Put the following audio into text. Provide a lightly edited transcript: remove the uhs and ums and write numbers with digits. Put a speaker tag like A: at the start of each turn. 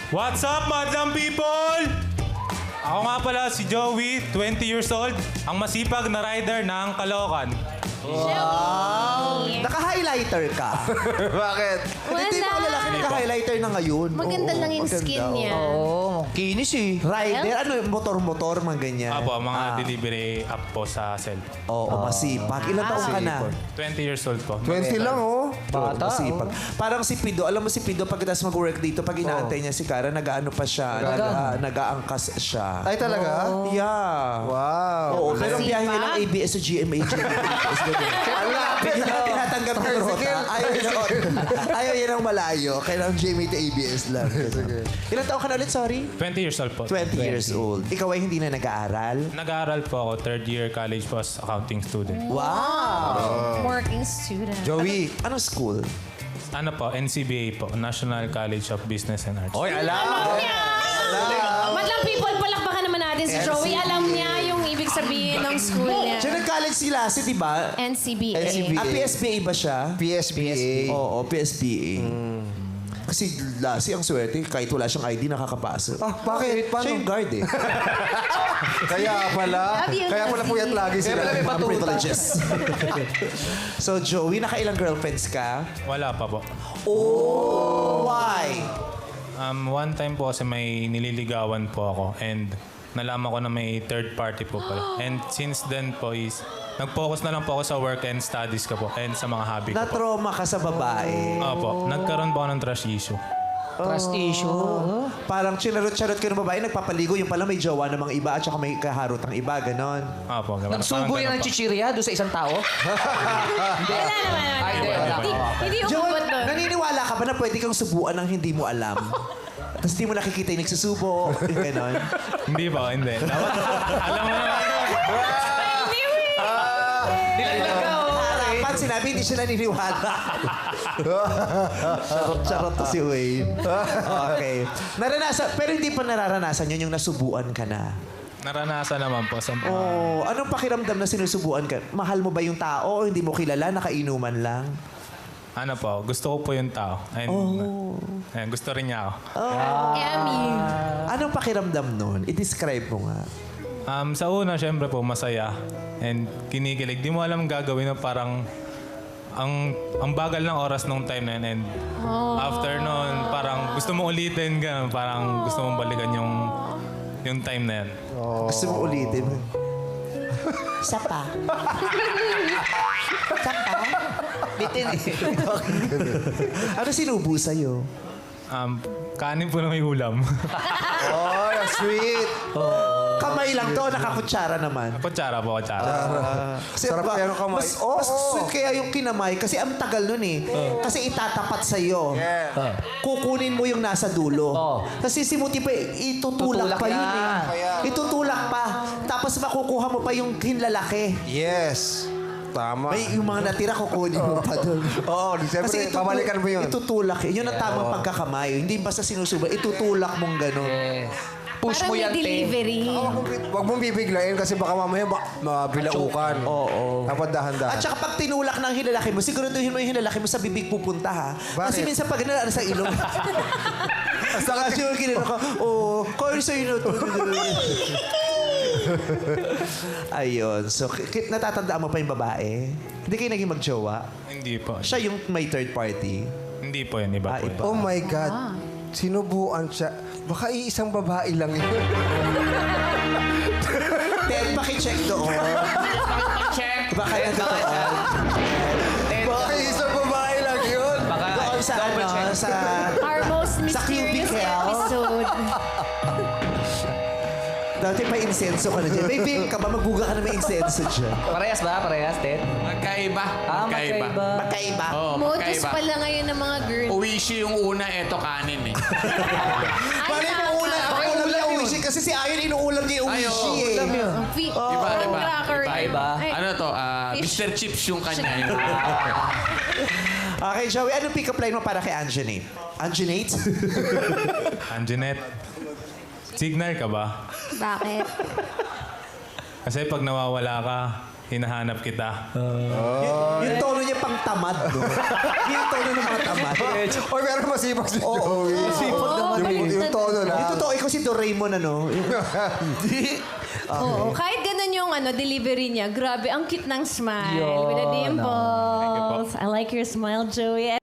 A: What's up, madlang people? Ako nga pala si Joey, 20 years old, ang masipag na rider ng Caloocan.
B: Naka-highlighter ka.
C: Bakit?
B: Hindi mo lalaki naka-highlighter na ngayon.
D: Maganda
B: Oo,
D: lang yung
B: maganda.
D: skin niya.
C: Oo, kinis eh.
B: Rider, ano yung motor-motor, mga ganyan.
A: Apo, mga delivery app po sa cell.
B: Oo, masipag. Ilan taong ka na?
A: 20 years old po.
C: 20 lang, oh.
B: Bata, masipag. Parang si Pido, alam mo si Pido, pagkatapos mag-work dito, pag inaantay niya si Kara, nag-ano pa siya, nag-aangkas siya.
C: Ay, talaga?
B: Yeah.
C: Wow.
B: Oo, pero ang biyahe niya ng ABS sa GMA. Tinatanggap ng rota. Ayaw yun. Ayaw yun ang malayo. Kailangan GMA to ABS lang. Ilan taong ka na ulit, sorry?
A: 20 years old po.
B: 20 years old. Ikaw ay hindi na nag-aaral?
A: Nag-aaral po ako, third year college po as accounting student.
B: Wow!
D: Working student.
C: Joey.
B: Anong school?
A: Ano po, NCBA po, National College of Business and Arts.
C: Oy, alam!
D: Madlang people, palakpakan naman natin si Joey. Alam niya yung ibig sabihin ng school niya.
B: Siya nag-college si Lassie, di ba?
D: NCBA.
C: NCBA.
B: PSBA ba siya?
C: PSBA.
B: Oo, PSBA. Kasi Lassie, ang swerte, kahit wala siyang ID, nakakapasok.
C: Ah, bakit? Paano?
B: Siya yung guard eh.
C: Kaya pala.
D: Love you,
C: Kaya pala puyat lagi sila.
B: Kaya pala may privileges. So, Joey, nakailang girlfriends ka?
A: Wala pa po.
B: Oh! Why?
A: One time po kasi may nililigawan po ako and nalaman ko na may third party po pala. And since then po is nag-focus na lang po ako sa work and studies ko po and sa mga hobby ko po.
B: Na-trauma ka sa babae.
A: Opo, nagkaroon po ako ng trust issue.
E: Trust issue.
B: Parang chinarot-charot ka ng babae, nagpapaligo, yung pala may jowa ng mga iba at saka may kaharot ang iba, ganon.
A: Opo, ganun.
E: Nagsubo
A: Parang
E: yan ng
A: ganun po.
E: chichirya doon sa isang tao?
D: Wala naman.
E: Ay, hindi, wala.
D: Hindi
B: Jowa,
D: umabot doon.
B: naniniwala ka ba na pwede kang subuan ng hindi mo alam? Tapos di mo nakikita yung nagsusubo, yung ganon.
A: Hindi po, hindi. Dapat, alam mo naman.
E: Nilaglag ka, oh.
B: Harapan, sinabi hindi siya naniniwala. Charot-charot to si Wayne. Okay. Pero hindi pa nararanasan yun yung nasubuan ka na.
A: Naranasan naman po sa mga...
B: Oh, anong pakiramdam na sinusubuan ka? Mahal mo ba yung tao o hindi mo kilala, nakainuman lang?
A: Ano po, gusto ko po yung tao. And, and gusto rin niya ako.
D: Emmy.
B: Anong pakiramdam nun? I-describe mo nga.
A: Sa una, syempre po, masaya. And kinikilig. Di mo alam gagawin na parang ang bagal ng oras nung time na yun. And after nun, parang gusto mo ulitin ka. Parang gusto mong balikan yung time na yan.
B: Gusto mo ulitin? Isa pa. Isa pa.
E: Bitin eh.
B: Ano sinubo sa'yo?
A: Kanin po na may ulam.
C: Oh, sweet.
B: Kamay lang to, nakakutsara naman.
A: Kutsara po, kutsara.
B: Kasi
C: Sarap kaya ng kamay.
B: Mas sweet kaya yung kinamay kasi ang tagal nun eh. Kasi itatapat sa'yo.
C: Yeah.
B: Kukunin mo yung nasa dulo. Kasi si Muti pa, itutulak
E: Tutulak
B: pa yun
E: yan.
B: eh. Itutulak pa. Tapos makukuha mo pa yung hinlalaki.
C: Yes. Tama.
B: May yung mga natira, kukunin mo pa doon.
C: Oo, siyempre, pabalikan mo yun.
B: Itutulak. Yun ang tamang pagkakamay. Hindi basta sinusuba. Itutulak mong gano'n.
E: Push
D: Parang
E: mo
D: may
E: yan, te.
D: delivery.
C: Huwag mong bibiglayin kasi baka mamaya mabilaukan.
B: Oo.
C: Dapat dahan-dahan.
B: At saka pag tinulak ng hinlalaki mo, siguraduhin mo yung hinlalaki mo sa bibig pupunta ha. Kasi
C: Bakit?
B: minsan pag ano sa ilong. Saka siguro ginano ka, kaya sa'yo na to. Ayun. So, natatandaan mo pa yung babae? Hindi kayo naging magjowa?
A: Hindi po.
B: Siya yung may third party?
A: Hindi po yun, iba po
B: iba.
A: yun.
C: Oh my God. Sinubuan siya. Baka iisang babae lang yun.
B: Ted, pakicheck doon.
E: Check.
B: Baka nagkataon.
C: Baka iisang babae lang yun.
E: Baka
B: Doon sa ano, sa...
D: Our most
B: Sa
D: mysterious
B: cubicle.
D: episode.
B: Dati pa insenso ka na dyan. May vape ka ba? Magbuga ka na may insenso dyan.
E: Parehas ba? Parehas, Ted?
F: Magkaiba.
E: Magkaiba.
B: Magkaiba.
F: Oo,
D: Modus
F: magkaiba.
D: pala ngayon ng mga girls.
F: Uwishi yung una, eto kanin eh.
B: Bakit mo ulam? Ako ulam niya uwishi. Kasi si Ayon inuulam niya yung
F: Ay,
B: uwishi
F: oo.
B: eh.
F: Iba, iba.
D: Cracker.
E: Iba.
D: Ay,
F: Ano to?
D: fish.
F: Mr. Chips yung kanya.
B: Okay, Joey, anong pick-up line mo para kay Anjanate? Anjanate?
A: Anjanette, signal ka ba?
D: Bakit?
A: Kasi pag nawawala ka, hinahanap kita.
B: Yung tono niya pang tamad, no? Yung tono ng mga tamad.
C: Oy, pero masipag si Joey.
B: Masipag naman
C: Yung tono
B: ba si Doraemon, ano? Hindi.
D: Oo, kahit ganun yung delivery niya, grabe, ang cute ng smile.
E: Yun.
D: With the dimples. I like your smile, Joey.